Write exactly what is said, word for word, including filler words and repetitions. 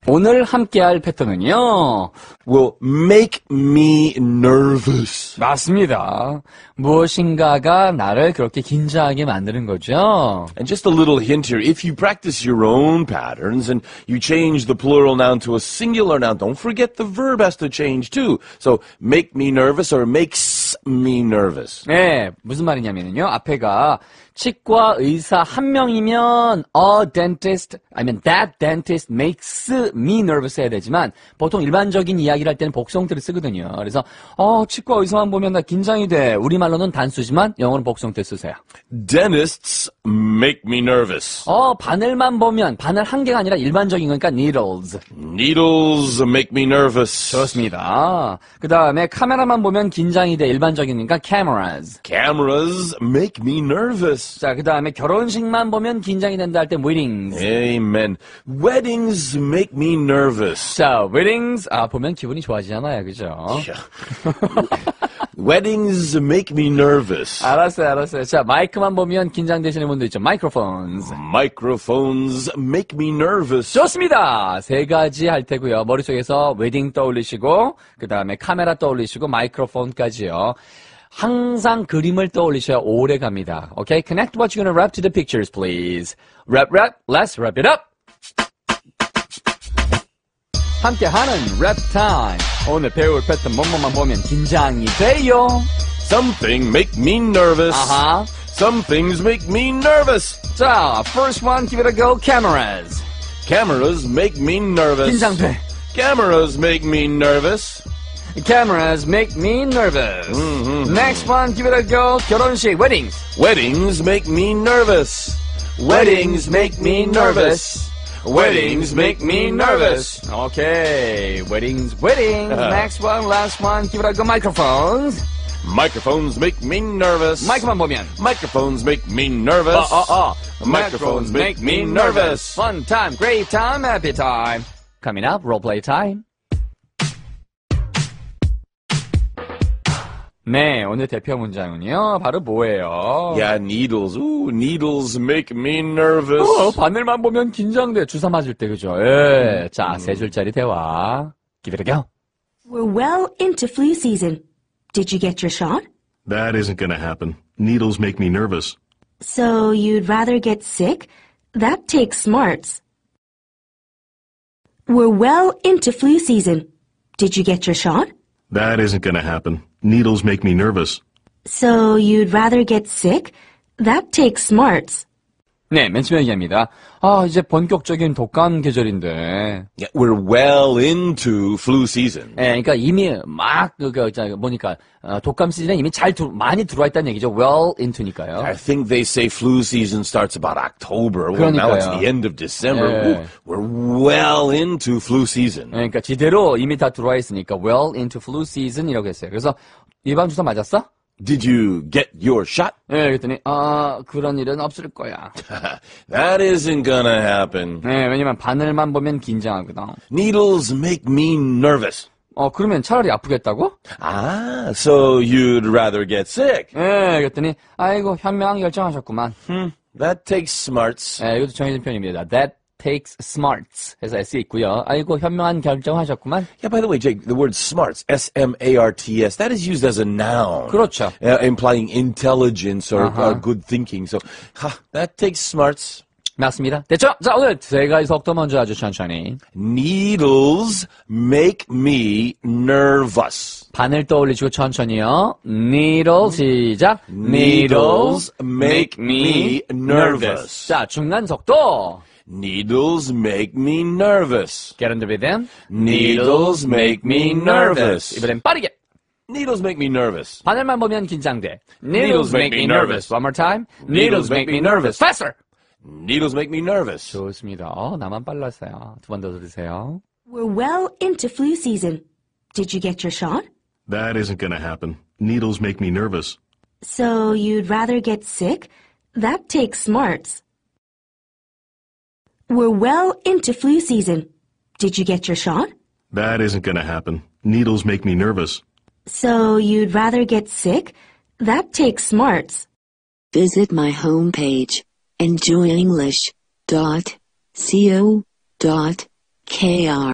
오늘 함께할 패턴은요. will make me nervous. 맞습니다. 무엇인가가 나를 그렇게 긴장하게 만드는 거죠. And just a little hint here, if you practice your own patterns and you change the plural noun to a singular noun, don't forget the verb has to change too. So make me nervous or makes me nervous. 네, 무슨 말이냐면요. 앞에가 치과 의사 한 명이면 a dentist, 아니면 that dentist makes me nervous 해야 되지만 보통 일반적인 이야기를 할 때는 복성태를 쓰거든요. 그래서 어, 치과 의사만 보면 나 긴장이 돼. 우리말로는 단수지만 영어는 복성태 쓰세요. Dentists make me nervous. 어, 바늘만 보면 바늘 한 개가 아니라 일반적인 거니까 needles. Needles make me nervous. 좋습니다. 그 다음에 카메라만 보면 긴장이 돼. 일반적이니까 cameras. Cameras make me nervous. 자, 그 다음에 결혼식만 보면 긴장이 된다 할 때 weddings. Amen. Weddings make me nervous. 자, weddings 아 보면 기분이 좋아지잖아요, 그죠? Weddings make me nervous. 알았어요, 알았어요. 자, 마이크만 보면 긴장되시는 분도 있죠. microphones. Microphones make me nervous. 좋습니다. 세 가지 할 테고요. 머릿속에서 웨딩 떠올리시고 그 다음에 카메라 떠올리시고 마이크로폰까지요. 항상 그림을 떠올리셔야 오래 갑니다. Okay? Connect what you're gonna wrap to the pictures, please. Wrap, wrap. Let's wrap it up. 함께하는 랩 타임. 오늘 배울 패턴 뭐뭐만 보면 긴장이 돼요. Some things make me nervous. 아하. Some things make me nervous. 자, first one, give it a go. Cameras. Cameras make me nervous. 긴장돼. Cameras make me nervous. Cameras make me nervous. Mm-hmm. Next one, give it a go. 결혼식, weddings. Weddings make me nervous. Weddings make me nervous. Weddings make me nervous. Okay, weddings, weddings. Uh-huh. Next one, last one, give it a go. Microphones. Microphones make me nervous. 마이크만 보면. Microphones make me nervous. 어, 어, 어. Microphones make me nervous. Fun time, great time, happy time. Coming up, role play time. 네, 오늘 대표 문장은요, 바로 뭐예요? Yeah, needles. Ooh, needles make me nervous. 어, 바늘만 보면 긴장돼. 주사 맞을 때, 그죠? 예. 자, 세 줄짜리 대화. Give it a go. We're well into flu season. Did you get your shot? That isn't going to happen. Needles make me nervous. So you'd rather get sick? That takes smarts. We're well into flu season. Did you get your shot? That isn't going to happen. Needles make me nervous. So you'd rather get sick? That takes smarts. 네, 맨 처음에 얘기합니다. 아, 이제 본격적인 독감 계절인데. Yeah, we're well into flu season. 예, 그러니까 이미 막, 그, 그, 저, 보니까, 어, 독감 시즌에 이미 잘, 들, 많이 들어와 있다는 얘기죠. well into니까요. I think they say flu season starts about October. Well, now it's the end of December. 예. Ooh, we're well into flu season. 예, 그러니까 지대로 이미 다 들어와 있으니까 well into flu season이라고 했어요. 그래서 예방 주사 맞았어? Did you get your shot? 예, 그랬더니 아, 그런 일은 없을 거야. That isn't gonna happen. 예, 왜냐면 바늘만 보면 긴장하거든. Needles make me nervous. 어, 그러면 차라리 아프겠다고? Ah, so you'd rather get sick. 예, 그랬더니 아이고 현명하게 결정하셨구만. Hmm, that takes smarts. 예, 이것도 정해진 표현입니다. That takes smarts 해서 S 있고요. 아이고 현명한 결정하셨구만. Yeah, by the way, Jake, the word smarts, S M A R T S, that is used as a noun. 그렇죠. Uh, implying intelligence or, Uh-huh. or good thinking. So, ha, that takes smarts. 맞습니다. 됐죠? 자, 오늘 세 가지 속도 먼저 아주 천천히. Needles make me nervous. 바늘 떠올리시고 천천히요. Needle 시작. Needles make me nervous. 자, 중간 속도. Needles make me nervous. Get on the rhythm. Needles make me nervous. 이번엔 빠르게. Needles make me nervous. 바늘만 보면 긴장돼. Needles make me nervous. One more time. Needles make me nervous. Faster. Needles make me nervous. 좋습니다. 어, 나만 빨랐어요. 두 번 더 들으세요. We're well into flu season. Did you get your shot? That isn't going to happen. Needles make me nervous. So you'd rather get sick? That takes smarts. We're well into flu season. Did you get your shot? That isn't going to happen. Needles make me nervous. So you'd rather get sick? That takes smarts. Visit my homepage, enjoy english dot co dot K R